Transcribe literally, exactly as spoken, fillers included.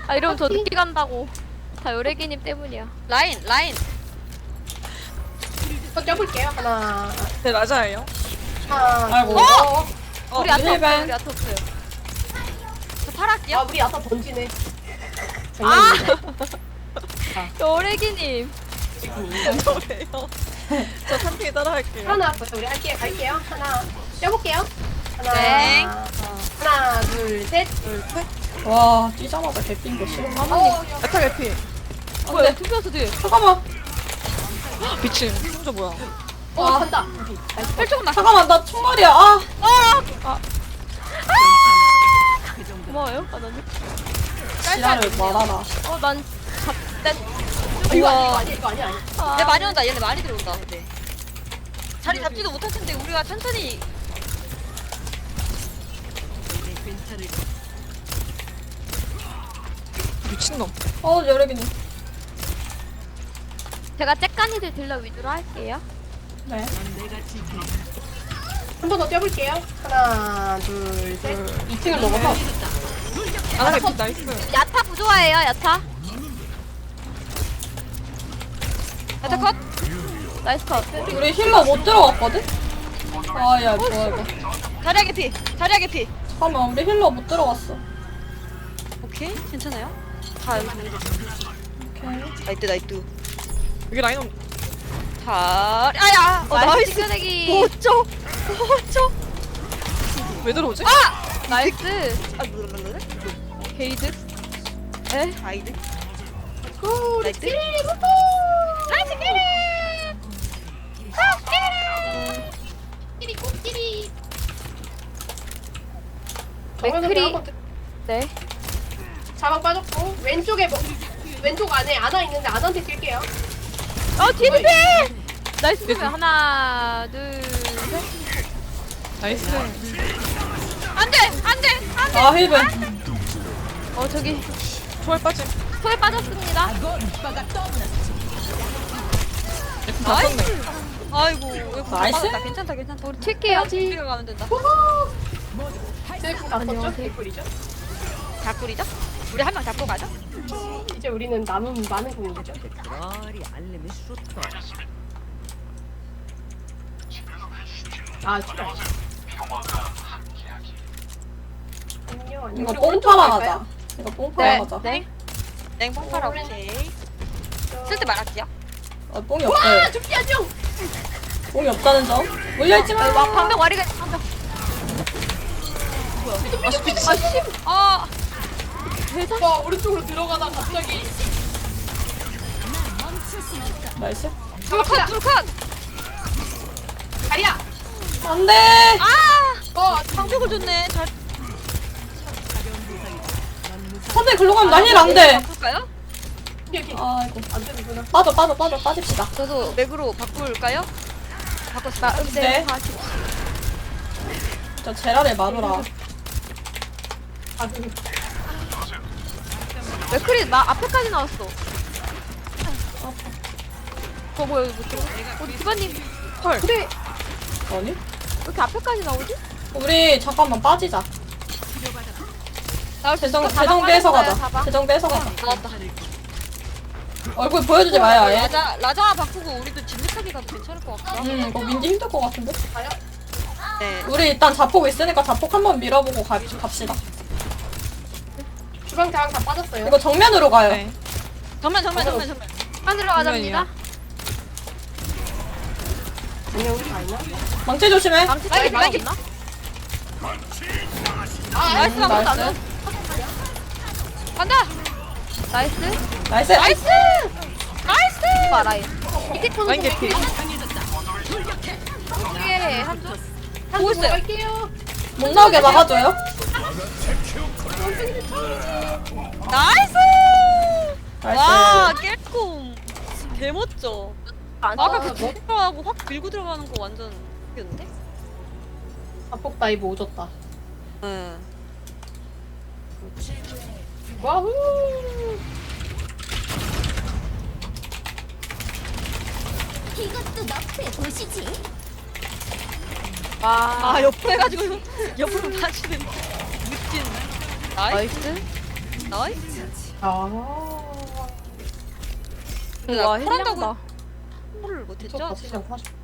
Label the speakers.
Speaker 1: 아 이러면 저 늦게 간다고. 다 요래기님 때문이야.
Speaker 2: 라인 라인.
Speaker 3: 또 껴볼게요. 하나,
Speaker 4: 네 맞아요.
Speaker 3: 하나,
Speaker 5: 아이고.
Speaker 3: 둘, 어?
Speaker 4: 어,
Speaker 1: 우리 아타 없어요.
Speaker 5: 힐벤.
Speaker 1: 우리 아타 없어요.
Speaker 2: 저 팔할게요.
Speaker 3: 아, 우리 아까 던지네.
Speaker 1: 아!
Speaker 3: 장난이네.
Speaker 1: 요래기님.
Speaker 4: 저래요. 저 삼핑이 따라할게요.
Speaker 3: 하나 나왔어요. 우리 할게요. 갈게요. 하나, 껴볼게요. 하나,
Speaker 2: 네.
Speaker 3: 하나, 둘, 셋.
Speaker 4: 둘, 셋.
Speaker 5: 와 뛰자마자 개핀 거 싫어.
Speaker 3: 어,
Speaker 4: 야타 개피.
Speaker 1: 뭐야 투표수 뒤.
Speaker 5: 잠깐만.
Speaker 4: 미친. 혼자 뭐야?
Speaker 3: 어,
Speaker 5: 아.
Speaker 3: 간다.
Speaker 1: 혈총 나.
Speaker 5: 잠깐만 나 총알이야. 아.
Speaker 1: 고마워요. 아 나는.
Speaker 5: 지랄을 말아라.
Speaker 1: 어난 잡대.
Speaker 3: 아, 이거 아니야, 이거 아니야, 이거 아니야. 아니야.
Speaker 2: 얘 많이 온다. 얘네 많이 들어온다. 근데 자리 잡지도 못할 텐데 우리가 천천히.
Speaker 4: 미친놈.
Speaker 5: 어 여러기님.
Speaker 1: 제가 째까니들 딜러 위주로 할게요.
Speaker 5: 네.
Speaker 3: 한 번 더 껴볼게요. 하나, 둘, 셋. 이 층을 넘어서.
Speaker 4: 아나 개피 나이스.
Speaker 1: 야타 부조화예요. 야타.
Speaker 2: 야타 컷.
Speaker 1: 나이스 컷.
Speaker 5: 우리 힐러 못 들어갔거든? 아야 뭐야 이거.
Speaker 2: 자리야 개피. 자리야 개피.
Speaker 5: 잠깐만 우리 힐러 못 들어갔어.
Speaker 2: 오케이 괜찮아요. 다 여기 정리.
Speaker 5: 오케이.
Speaker 2: 나이트 나이트.
Speaker 4: 여기 라인 온.
Speaker 2: 자 아야. 어
Speaker 1: 나이스
Speaker 2: 나이스.
Speaker 1: 찌그레기.
Speaker 2: 어쩌. 어쩌.
Speaker 4: 왜 들어오지?
Speaker 2: 아.
Speaker 1: 나이스.
Speaker 2: 아 뭐라래?
Speaker 1: 게이드. 에?
Speaker 2: 아이들.
Speaker 3: 굿.
Speaker 2: 나이스.
Speaker 1: 나이스 게이드.
Speaker 3: 끼리, 꼬끼리.
Speaker 1: 맥크리.
Speaker 3: 한번
Speaker 1: 네.
Speaker 3: 자막 빠졌고 왼쪽에 뭐 왼쪽 안에 아나 있는데 아나한테 뛸게요.
Speaker 1: 어 뒤에 뒤에. 나이스. 그러면 하나 둘 셋.
Speaker 4: 나이스.
Speaker 1: 안돼 안돼 안돼.
Speaker 5: 아 힐벤.
Speaker 1: 어 저기
Speaker 4: 초월 빠짐.
Speaker 1: 소에 빠졌습니다.
Speaker 4: 다 썼네.
Speaker 2: 아이고 이거
Speaker 5: 나이스.
Speaker 2: 받았다. 괜찮다 괜찮다.
Speaker 1: 우리 튈게요.
Speaker 2: 우리가 가면 된다.
Speaker 3: 셀프 다 썼죠?
Speaker 1: 안녕하세요.
Speaker 3: 개꿀이죠?
Speaker 2: 작꿀이죠? 우리 한 명 잡고 가자.
Speaker 3: 이제 우리는 남은 많은 공이죠. 아, 진짜. 안녕, 안녕.
Speaker 5: 이거
Speaker 3: 우리
Speaker 5: 뽕
Speaker 3: 오른쪽으로
Speaker 5: 팔아
Speaker 3: 갈까요?
Speaker 5: 가자. 이거 뽕 팔아
Speaker 1: 네.
Speaker 5: 가자.
Speaker 1: 네.
Speaker 2: 냉뽕 팔아 오케이. 쓸 때 말할게요.
Speaker 5: 아 뽕이
Speaker 3: 와,
Speaker 5: 없어요.
Speaker 3: 죽지 안녕.
Speaker 5: 뽕이 없다는 점. 물려있지 마.
Speaker 1: 와 방벽 와리가 방벽.
Speaker 2: 아
Speaker 3: 와, 오른쪽으로 들어가다 갑자기.
Speaker 5: 나이스.
Speaker 2: 둘컷 둘컷.
Speaker 3: 다리야.
Speaker 5: 안돼.
Speaker 2: 아
Speaker 3: 어,
Speaker 2: 방벽을 줬네. 잘
Speaker 5: 선생님 글로 가면 나 힐 안돼.
Speaker 2: 바꿀까요?
Speaker 3: 여기
Speaker 5: 아이고.
Speaker 3: 안 되는구나.
Speaker 5: 빠져 빠져 빠져 빠집시다.
Speaker 2: 저도 맥으로 바꿀까요? 바꿨습니다.
Speaker 5: 네. 저 제라를 마누라.
Speaker 3: 아, 그
Speaker 1: 맥크리 나 앞에까지 나왔어. 어 뭐야 이거 못 들어? 우리 디바님
Speaker 4: 헐.
Speaker 3: 근데
Speaker 5: 아니?
Speaker 1: 왜 이렇게 앞에까지 나오지?
Speaker 5: 우리 잠깐만 빠지자.
Speaker 2: 나올 수 있어.
Speaker 5: 재정
Speaker 1: 사방
Speaker 5: 재정 빼서
Speaker 1: 빠졌어요,
Speaker 5: 가자.
Speaker 1: 사방.
Speaker 5: 재정 빼서 가자.
Speaker 2: 나왔다.
Speaker 5: 얼굴 보여주지 마요 아예.
Speaker 2: 라자 라자 바꾸고 우리도 진득하게 가도 괜찮을 것 같다.
Speaker 5: 음 이거 민지 힘들 것 같은데.
Speaker 3: 가요?
Speaker 2: 네.
Speaker 5: 우리 일단 자폭 있으니까 자폭 한번 밀어보고 가, 갑시다.
Speaker 3: 주방 자랑 다 빠졌어요.
Speaker 5: 이거 정면으로 가요.
Speaker 4: 네.
Speaker 2: 정면 정면 정면 정면.
Speaker 1: 안으로 가자입니다.
Speaker 3: 안녕, 우리 다 있나?
Speaker 5: 망치 조심해.
Speaker 1: 망치
Speaker 2: 라이트,
Speaker 1: 쪽에
Speaker 2: 라이트.
Speaker 1: 있나?
Speaker 3: 아,
Speaker 2: 나이스
Speaker 5: 음,
Speaker 2: 한번
Speaker 5: 나이스.
Speaker 2: 나눠. 간다.
Speaker 1: 나이스.
Speaker 5: 나이스.
Speaker 2: 나이스. 나이스.
Speaker 1: 봐 라인.
Speaker 3: 밑에 코너
Speaker 4: 라인 개피.
Speaker 1: 이게 한쪽.
Speaker 2: 보고 있어요.
Speaker 3: 갈게요.
Speaker 5: 못 나오게 막아줘요.
Speaker 2: 나이스.
Speaker 5: 나이스.
Speaker 2: 와 깰꿈. 개멋져.
Speaker 1: 안
Speaker 2: 아까
Speaker 1: 써.
Speaker 2: 그 들어가고 확 밀고 들어가는 거 완전 웃겼는데?
Speaker 3: 자폭 다이브 오졌다.
Speaker 2: 응.
Speaker 3: 와우.
Speaker 6: 이것도 너프에 보시지.
Speaker 1: 와.
Speaker 2: 아 옆으로 해가지고 옆으로 다시는 느낀. 나이스.
Speaker 1: 나이스.
Speaker 2: 나이스.
Speaker 3: 아.
Speaker 2: 근데
Speaker 1: 와
Speaker 2: 나 콜한다고
Speaker 1: 헬량다.
Speaker 2: 콜을 못했죠?
Speaker 3: 미쳤다 진짜 사실.